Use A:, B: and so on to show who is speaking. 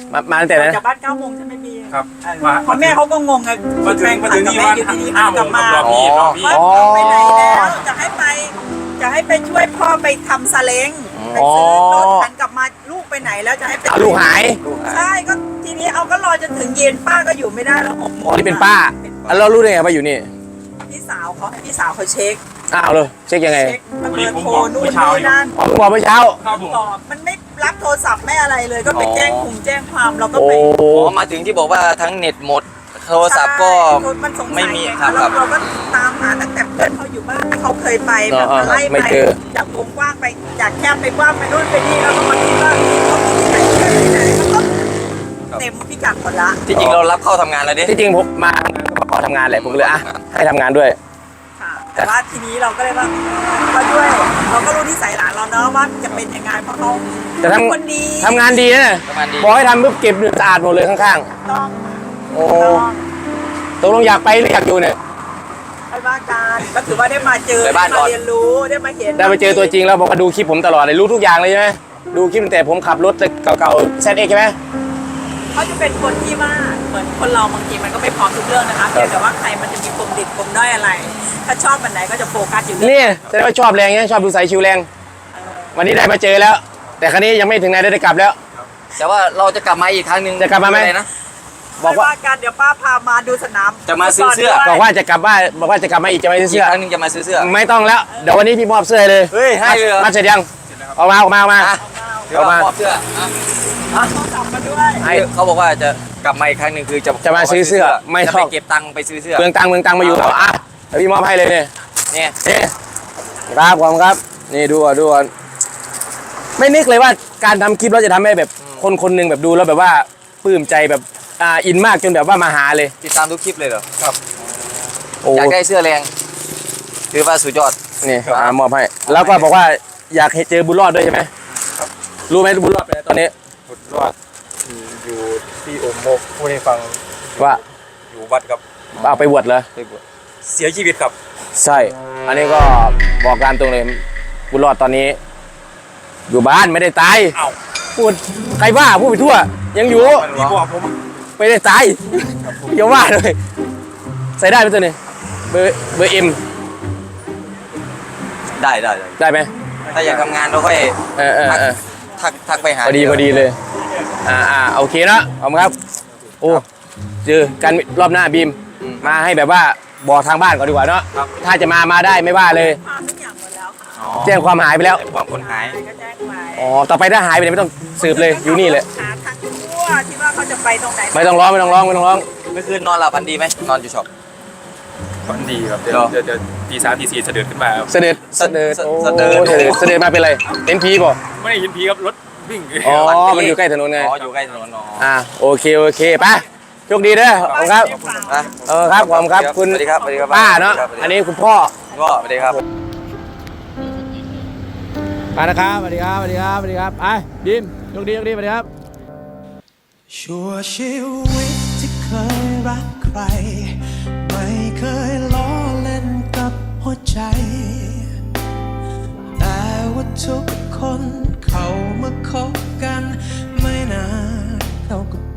A: มาตั้งแต่ไหน
B: จากบ้าน9 โมงใช่ไหมพี่
C: ครับ
B: พ่อแม่เขาก็งงไง
C: มาถึงนี่ว่า5 โมงกับรอพี่
B: ไปไหนแล้วจะให้ไปช่วยพ่อไปทำซาเล้งไปซื้อรถหันกลับมาลูกไปไหนแล้วจะให้ไป
A: ลูกหาย
B: ใช่ก็ทีนี้เอาก็รอจนถึงเย็นป้าก็อยู่ไม่ได้แล้ว
A: อ๋อนี่เป็นป้าแล้วเรารู้ได้ไงว่าอยู่นี่
B: พี่สาวเขาให้พี่สาวเขาเช็ค
A: อ้าวเลยเช็คยังไง
B: เช็คเบอร์โทรนู่นนี่นั่น
A: บอกเมื่อเช้า
B: มันไม่รับโทรศัพท์ไม่อะไรเลยก็ไปแจ้งความเราก็ไป
D: มาถึงที่บอกว่าทั้งเน็ตหมดโทรศัพท์ก็ไม่มีครับ
B: เราก็ตามหาตั้งแต่เพื่อนเขาอยู่บ้านเขาเคยไปแบบไล่ไปจากวงกว้างไปจากแคบไปกว้างไปนู่นไปนี่แล้วก็มาคิดว่าเขามีที่ไหนที่ไหนก็เต็มพิกัดหมดละ
D: ที่จริงเรารับเข้าทำงานแล้วดิ
A: ที่จริงผมมาขอทำงานแหละผมเลยให้ทำงานด้วย
B: แต่ว่าทีนี้เราก็เลยว่าก็ด้วยเราก็รู้นิสัยหลานเราเนาะว่าจะเป็นยังไงเพราะเขาคนดี
A: ทำงานดีนะบอกให้ทำปุ๊บเก็บสะอาดหมดเลยข้าง
B: ๆต้อง
A: โอ้ตกลงอยากไปหรืออยากอยู่เนี่ย
B: ไปบ้านกันก็ถือว่าได้มาเจอได้มาเรียนรู้ได้มาเห็น
A: ได้มาเจอตัวจริงแล้วบอกว่าดูคลิปผมตลอดเลยรู้ทุกอย่างเลยใช่ไหมดูคลิปตั้งแต่ผมขับรถเก่าๆZXใช่ไหม
B: เขาจะเป็นคนที่ว่าเหมือนคนเราบางทีมันก็ไม่พร้อมทุกเรื่องนะคะแต่ว่าใครมันจะมีปมดิบปมด้อยอะไรถ้าชอบอันไหนก็จะโฟกัสอยู่
A: นี่แสดงว่าชอบแรงเนี่ยชอบดูสายชิวแรงวันนี้ได้มาเจอแล้วแต่ครั้นี้ยังไม่ถึงไหนได้กลับแล้ว
D: แต่ว่าเราจะกลับมาอีกครั้งหนึ่ง
A: จะกลับมาไหม
D: นะ
B: บอกว่าการเดี๋ยวป้าพามาดูสนาม
D: จะมาซื้อเสื้อ
A: บอกว่าจะกลับบ้านบอกว่าจะกลับมาอีกจะมาซื้อเสื้อ
D: ครั้งนึงจะมาซื้อเสื้อ
A: ไม่ต้องแล้วเดี๋ยววันนี้พี่มอบเสื้อเลย
D: เฮ้ยให้เลย
A: มาเสร็จยังออกมา
D: มอบเสื้อ
B: ต้องจับมาด้วย
D: เขาบอกว่าจะกลับมาอีกครั้งหนึ่งคือ
A: จะมาซื้อเสื้อไม่
D: ต้องไปเก็บตังค์ไปซื้อเสื้อ
A: เมืองตังมาอยู่แล้วเดี๋ยวพี่มอบให้เลยเนี่ยครับผมครับนี่ดูก่อนไม่นึกเลยว่าการทำคลิปเราจะทำให้แบบคนหนึ่งแบบดูแล้วแบบว่าปลื้มใจแบบอินมากจนแบบว่ามาหาเลย
D: ติดตามทุกคลิปเลยเหรอ
C: ครับ
D: อยากได้เสื้อแรงถือว่าสุดยอด
A: นี่มอบให้แล้วก็บอกว่าอยากเจอบุญรอดด้วยใช่ไหมรู้ไหมบุญรอดไปตอนนี้
C: บุญรอดอยู่ที่โอมโมกพูดให้ฟัง
A: ว่า
C: อยู่วัดครับ
A: เอาไปบวชเหรอ
C: เสียชีวิตครับ
A: ใช่อันนี้ก็บอกการตรงเลยบุญรอดตอนนี้อยู่บ้านไม่ได้ตายพูดใครว่าพูดไปทั่วยังอยู่
C: พี่บอกผม
A: ไม่ได้ตายอย่าว่าเลยใส่ได้ไหมตัวนี้เบอร์เอ็ม
D: ได้
A: ไหม
D: ถ้าอยากทำงานเราค่อยทักไปหา
A: พอดีเลยโอเคนะขอบคุณครับโอ้เจอกันรอบหน้าบีมมาให้แบบว่าบอกทางบ้านก่อนดีกว่าเนาะถ้าจะมาได้ไม่ว่าเลยแจ้งความหายไปแล้ว
D: ความคนหาย
A: อ๋อต่อไปถ้าหายไปไม่ต้องสืบเลยอยู่นี่เลย
B: หาทางทั่วที่ว่าเขาจะไปตรงไหน
A: ไม่ต้องร้องเ
D: มื่อคืนนอนหลับฝันดีไหมนอนอยู่ช็อป
C: ฝันดีครับเดี๋ยวตี 3 ตี 4เสด็จขึ้นมา
A: เสด็จมาเป็นไรเห็นผีป่ะ
C: ไม่เห็นผีครับรถวิ่ง
A: อ๋อมันอยู่ใกล้ถนนไง
D: อยู่ใกล้ถนน
A: โอเคไปโชคดีเด้อขอบคุณครับครับขอบคุณครับคุณ
D: สวัสดีครับ
A: ป้าเนาะอันนี้คุณพ่อ
D: สวัสดีครับ
A: นะครับสวัสดีครับไปดิมโชคดีสวัสดีครับ
E: ชั่วชีวิตที่เคยรักใครไม่เคยล้อเล่นกับหัวใจแต่ว่าทุกคนเขามาคบกันไม่นานเขาก็